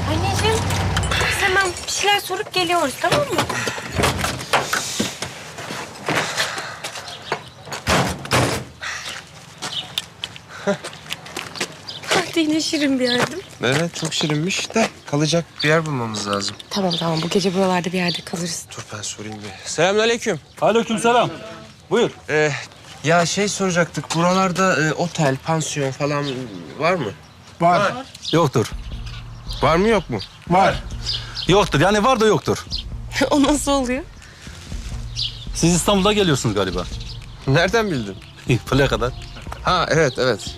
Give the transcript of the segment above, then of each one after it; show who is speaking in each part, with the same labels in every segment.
Speaker 1: Anneciğim, biz hemen bir şeyler sorup geliyoruz, tamam mı? Hadi yine şirin bir yerdim.
Speaker 2: Evet, çok şirinmiş de kalacak bir yer bulmamız lazım.
Speaker 1: Tamam, bu gece buralarda bir yerde kalırız.
Speaker 2: Dur ben sorayım bir. Selamünaleyküm.
Speaker 3: Aleykümselam. Buyur.
Speaker 2: Ya şey soracaktık, buralarda otel, pansiyon falan var mı?
Speaker 3: Var. Yoktur.
Speaker 2: Var mı yok mu?
Speaker 3: Var. Yoktur. Yani var da yoktur.
Speaker 1: O nasıl oluyor?
Speaker 3: Siz İstanbul'da geliyorsunuz galiba.
Speaker 2: Nereden bildin?
Speaker 3: Plakadan.
Speaker 2: Ha evet.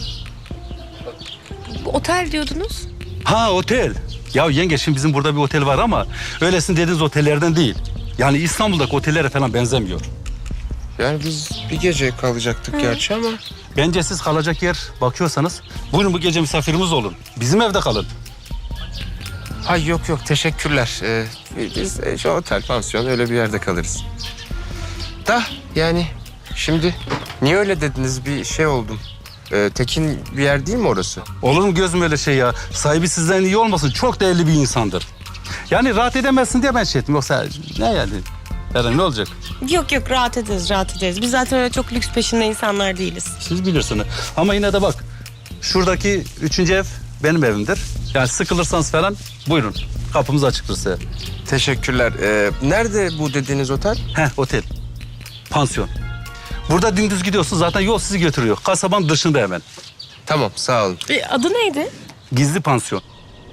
Speaker 1: Bu otel diyordunuz.
Speaker 3: Ha otel. Ya yenge şimdi bizim burada bir otel var ama öylesin dediğiniz otellerden değil. Yani İstanbul'daki otellere falan benzemiyor.
Speaker 2: Yani biz bir gece kalacaktık gerçi ama...
Speaker 3: Bence siz kalacak yer bakıyorsanız buyurun bu gece misafirimiz olun. Bizim evde kalın.
Speaker 2: Ay yok teşekkürler. Biz şu otel, pansiyon öyle bir yerde kalırız. Da yani şimdi niye öyle dediniz, bir şey oldum. Tekin bir yer değil mi orası?
Speaker 3: Olur mu gözüm öyle şey ya? Sahibi sizden iyi olmasın. Çok değerli bir insandır. Yani rahat edemezsin diye ben şey ettim. Yoksa ne yani? Eren ne olacak?
Speaker 1: Yok rahat ederiz. Biz zaten öyle çok lüks peşinde insanlar değiliz.
Speaker 3: Siz bilirsiniz. Ama yine de bak. Şuradaki 3. ev benim evimdir. Yani sıkılırsanız falan buyurun. Kapımız açıktır size.
Speaker 2: Teşekkürler. Nerede bu dediğiniz otel?
Speaker 3: Otel. Pansiyon. Burada dümdüz gidiyorsun zaten yol sizi götürüyor. Kasabanın dışında hemen.
Speaker 2: Tamam sağ olun.
Speaker 1: Adı neydi?
Speaker 3: Gizli pansiyon.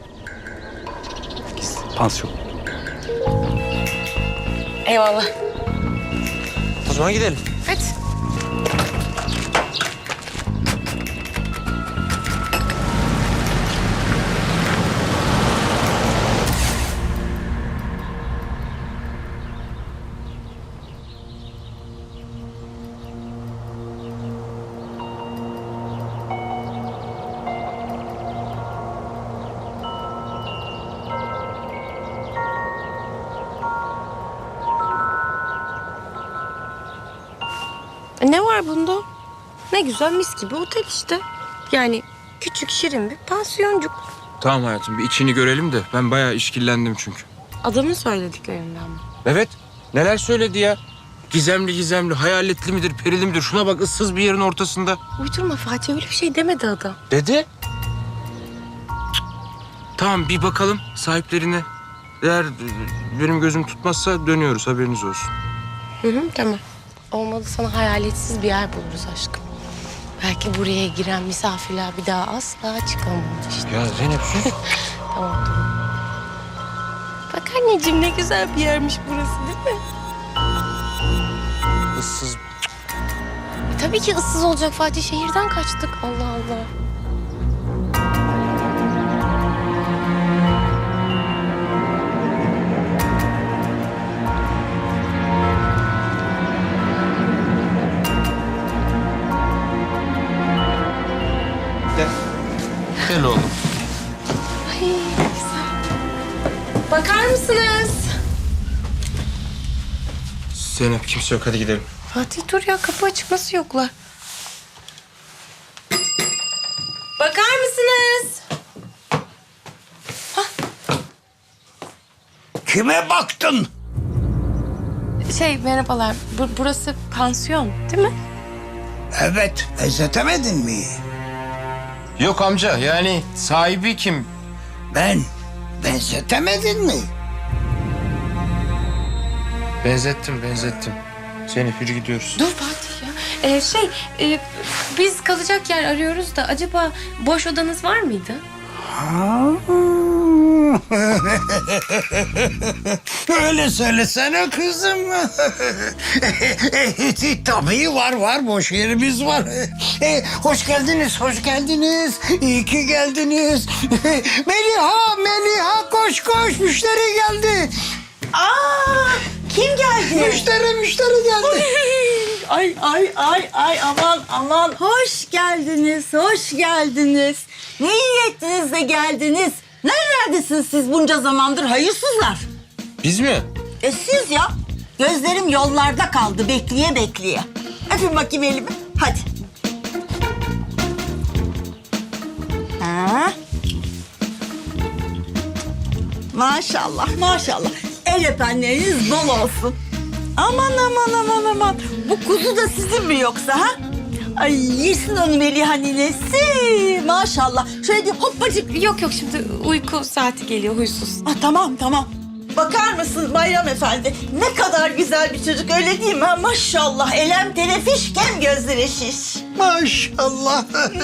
Speaker 3: Gizli pansiyon.
Speaker 1: Eyvallah.
Speaker 2: O zaman gidelim.
Speaker 1: Hadi. Ne var bunda? Ne güzel mis gibi otel işte. Yani küçük şirin bir pansiyoncuk.
Speaker 2: Tamam hayatım, bir içini görelim de ben bayağı işkillendim çünkü.
Speaker 1: Adamın söylediklerinden mi?
Speaker 2: Evet, neler söyledi ya? Gizemli, hayaletli midir, perili midir? Şuna bak, ıssız bir yerin ortasında.
Speaker 1: Uydurma Fatih, öyle bir şey demedi adam.
Speaker 2: Dedi. Tamam, bir bakalım sahiplerine. Eğer benim gözüm tutmazsa dönüyoruz, haberiniz olsun.
Speaker 1: Tamam. Olmadı sana hayaletsiz bir yer buluruz aşkım. Belki buraya giren misafirler bir daha asla çıkamaz işte.
Speaker 2: Ya Zeynep sus.
Speaker 1: Tamam. Bak anneciğim, ne güzel bir yermiş burası değil mi?
Speaker 2: Issız.
Speaker 1: Tabii ki ıssız olacak Fatih. Şehirden kaçtık. Allah Allah.
Speaker 2: Gel oğlum.
Speaker 1: Ay ne güzel. Bakar mısınız?
Speaker 2: Zeynep, kimse yok, hadi gidelim.
Speaker 1: Fatih dur ya, kapı açık, nasıl yoklar? Bakar mısınız?
Speaker 4: Kime baktın?
Speaker 1: Merhabalar. Burası pansiyon değil mi?
Speaker 4: Evet, benzetemedin mi?
Speaker 2: Yok amca, yani sahibi kim?
Speaker 4: Ben, benzetemedin mi?
Speaker 2: Benzettim. Zeynep yürü gidiyoruz.
Speaker 1: Dur Fatih ya. Biz kalacak yer arıyoruz da acaba boş odanız var mıydı?
Speaker 4: Öyle söylesene kızım. Tabii var, boş yerimiz var. Hoş geldiniz. İyi ki geldiniz. Meliha, koş, müşteri geldi.
Speaker 5: Kim geldi?
Speaker 4: Müşteri geldi.
Speaker 5: Ay aman. Hoş geldiniz. Ne iyi ettiniz de geldiniz. Nerelerdesiniz siz bunca zamandır hayırsızlar?
Speaker 2: Biz mi?
Speaker 5: Siz ya. Gözlerim yollarda kaldı bekleye. Öpün bakayım elimi. Hadi. Ha? Maşallah maşallah. El öpenleriniz bol olsun. Aman aman aman aman. Bu kuzu da sizin mi yoksa ha? Ay yesin onu Meliha ninesi. Maşallah. Şöyle bir hoppacık.
Speaker 1: Yok yok, şimdi uyku saati geliyor, huysuz.
Speaker 5: Ah, tamam tamam. Bakar mısın Bayram Efendi? Ne kadar güzel bir çocuk, öyle değil mi? Ha? Maşallah. Elem telefiş, kem gözleri şiş.
Speaker 4: Maşallah.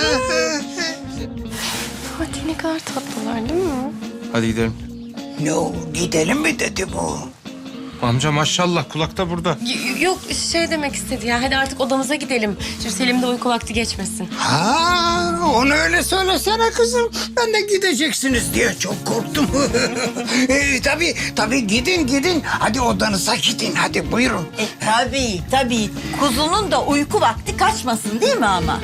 Speaker 1: Fatih, ne kadar tatlılar değil mi?
Speaker 2: Hadi gidelim.
Speaker 4: Ne o, gidelim mi dedi bu?
Speaker 2: Amca maşallah kulakta burada.
Speaker 1: Yok, şey demek istedi ya, hadi artık odamıza gidelim. Şimdi Selim'de uyku vakti geçmesin.
Speaker 4: Ha, onu öyle söylesene kızım. Ben de gideceksiniz diye çok korktum. Tabii gidin. Hadi odanıza gidin, hadi buyurun.
Speaker 5: Tabii. Kuzunun da uyku vakti kaçmasın değil mi ama?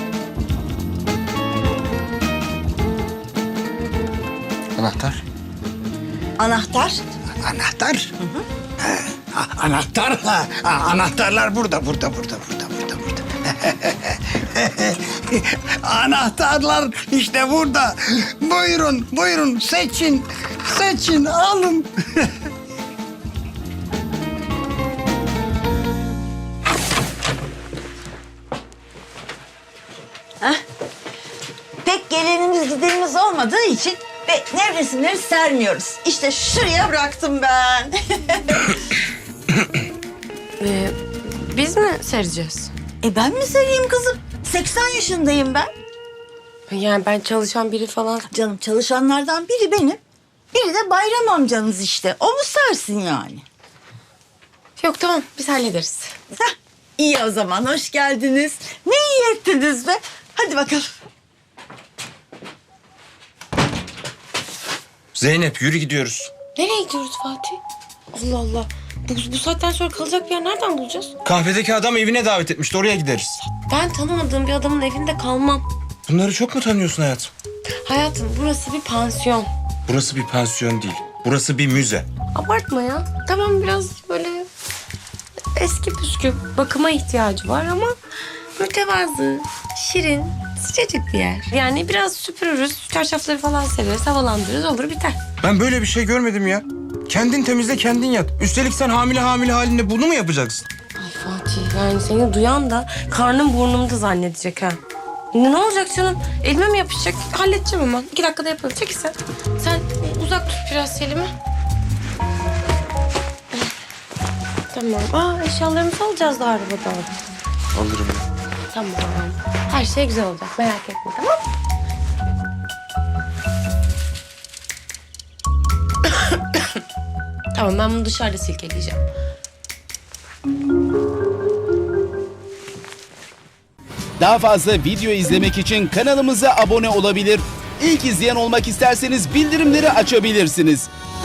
Speaker 2: Anahtar.
Speaker 5: Anahtar?
Speaker 4: Anahtar? Anahtar? Anahtarlar burada. Anahtarlar işte burada. Buyurun seçin, alın.
Speaker 5: Pek gelenimiz gidenimiz olmadığı için ve nevresimleri sermiyoruz. İşte şuraya bıraktım ben.
Speaker 1: Biz mi sereceğiz?
Speaker 5: Ben mi sereyim kızım? 80 yaşındayım ben.
Speaker 1: Yani ben çalışan biri falan...
Speaker 5: Canım çalışanlardan biri benim. Biri de Bayram amcanız işte. O mu sersin yani?
Speaker 1: Yok, tamam, biz hallederiz.
Speaker 5: Heh, iyi o zaman, hoş geldiniz. Ne iyi ettiniz be. Hadi bakalım.
Speaker 2: Zeynep yürü gidiyoruz.
Speaker 1: Nereye gidiyoruz Fatih? Allah Allah. Bu saatten sonra kalacak bir yer nereden bulacağız?
Speaker 2: Kahvedeki adam evine davet etmişti, oraya gideriz.
Speaker 1: Ben tanımadığım bir adamın evinde kalmam.
Speaker 2: Bunları çok mu tanıyorsun hayatım?
Speaker 1: Hayatım, burası bir pansiyon.
Speaker 2: Burası bir pansiyon değil. Burası bir müze.
Speaker 1: Abartma ya. Tamam, biraz böyle eski püskü, bakıma ihtiyacı var ama mütevazı, şirin, sıcacık bir yer. Yani biraz süpürürüz, çarşafları falan sereriz, havalandırırız, olur biter.
Speaker 2: Ben böyle bir şey görmedim ya. Kendin temizle, kendin yat. Üstelik sen hamile halinde bunu mu yapacaksın?
Speaker 1: Ay Fatih, yani seni duyan da karnım burnumda zannedecek ha. Ne olacak canım? Elime mi yapışacak? Halledeceğim hemen. 2 dakikada yaparım. Çekil sen. Sen uzak tut biraz Selim'i. Tamam. Eşyalarımızı alacağız da arabadan.
Speaker 2: Alırım ben.
Speaker 1: Tamam. Her şey güzel olacak. Merak etme, tamam mı? Tamam, ben bunu dışarıda silkeleyeceğim.
Speaker 6: Daha fazla video izlemek için kanalımıza abone olabilir. İlk izleyen olmak isterseniz bildirimleri açabilirsiniz.